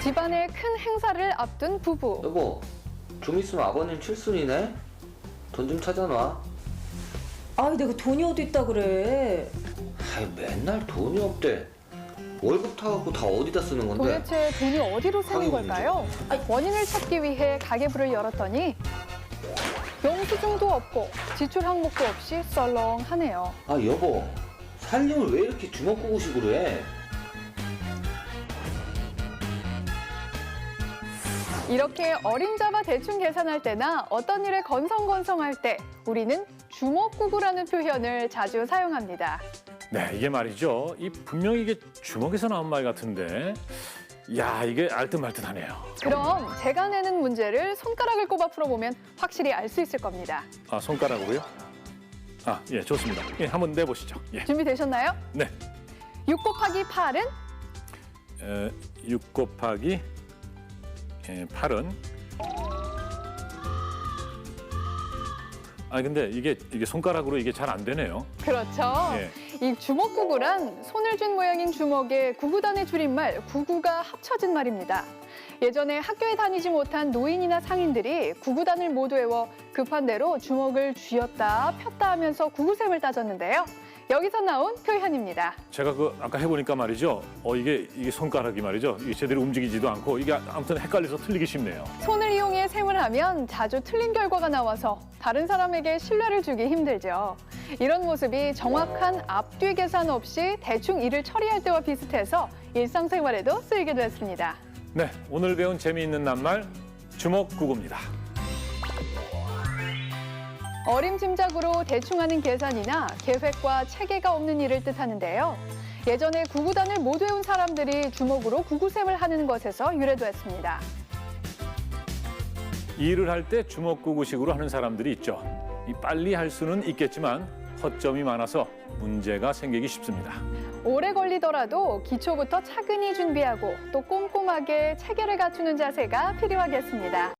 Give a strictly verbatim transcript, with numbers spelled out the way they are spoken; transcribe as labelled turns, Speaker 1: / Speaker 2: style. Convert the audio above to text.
Speaker 1: 집안의 큰 행사를 앞둔 부부.
Speaker 2: 여보, 좀 있으면 아버님 칠순이네? 돈 좀 찾아놔.
Speaker 3: 아이, 내가 돈이 어디 있다 그래.
Speaker 2: 아이, 맨날 돈이 없대. 월급 타갖고 다 어디다 쓰는 건데?
Speaker 1: 도대체 돈이 어디로 새는
Speaker 2: 가게
Speaker 1: 걸까요? 원인을 찾기 위해 가계부를 열었더니 영수증도 없고 지출 항목도 없이 썰렁하네요.
Speaker 2: 아, 여보, 살림을 왜 이렇게 주먹구구식으로 해?
Speaker 1: 이렇게 어림잡아 대충 계산할 때나 어떤 일에 건성건성할 때 우리는 주먹구구라는 표현을 자주 사용합니다.
Speaker 4: 네, 이게 말이죠. 이 분명히 이게 주먹에서 나온 말 같은데, 야, 이게 알듯말듯하네요.
Speaker 1: 그럼 제가 내는 문제를 손가락을 꼽아 풀어보면 확실히 알 수 있을 겁니다.
Speaker 4: 아, 손가락으로요? 아, 예, 좋습니다. 예, 한번 내보시죠. 예,
Speaker 1: 준비되셨나요?
Speaker 4: 네.
Speaker 1: 육 곱하기 팔은?
Speaker 4: 에, 육 곱하기 예, 팔은 아 근데 이게 이게 손가락으로 이게 잘 안 되네요.
Speaker 1: 그렇죠.
Speaker 4: 예.
Speaker 1: 이 주먹구구란 손을 쥔 모양인 주먹에 구구단의 줄임말 구구가 합쳐진 말입니다. 예전에 학교에 다니지 못한 노인이나 상인들이 구구단을 모두 외워 급한 대로 주먹을 쥐었다 폈다 하면서 구구셈을 따졌는데요. 여기서 나온 표현입니다.
Speaker 4: 제가 그 아까 해보니까 말이죠. 어 이게 이게 손가락이 말이죠. 이게 제대로 움직이지도 않고 이게 아무튼 헷갈려서 틀리기 쉽네요.
Speaker 1: 손을 이용해 셈을 하면 자주 틀린 결과가 나와서 다른 사람에게 신뢰를 주기 힘들죠. 이런 모습이 정확한 앞뒤 계산 없이 대충 일을 처리할 때와 비슷해서 일상생활에도 쓰이기도 했습니다.
Speaker 4: 네, 오늘 배운 재미있는 낱말 주먹구구입니다.
Speaker 1: 어림짐작으로 대충 하는 계산이나 계획과 체계가 없는 일을 뜻하는데요. 예전에 구구단을 못 외운 사람들이 주먹으로 구구셈을 하는 것에서 유래됐습니다.
Speaker 4: 일을 할 때 주먹구구식으로 하는 사람들이 있죠. 이 빨리 할 수는 있겠지만 허점이 많아서 문제가 생기기 쉽습니다.
Speaker 1: 오래 걸리더라도 기초부터 차근히 준비하고 또 꼼꼼하게 체계를 갖추는 자세가 필요하겠습니다.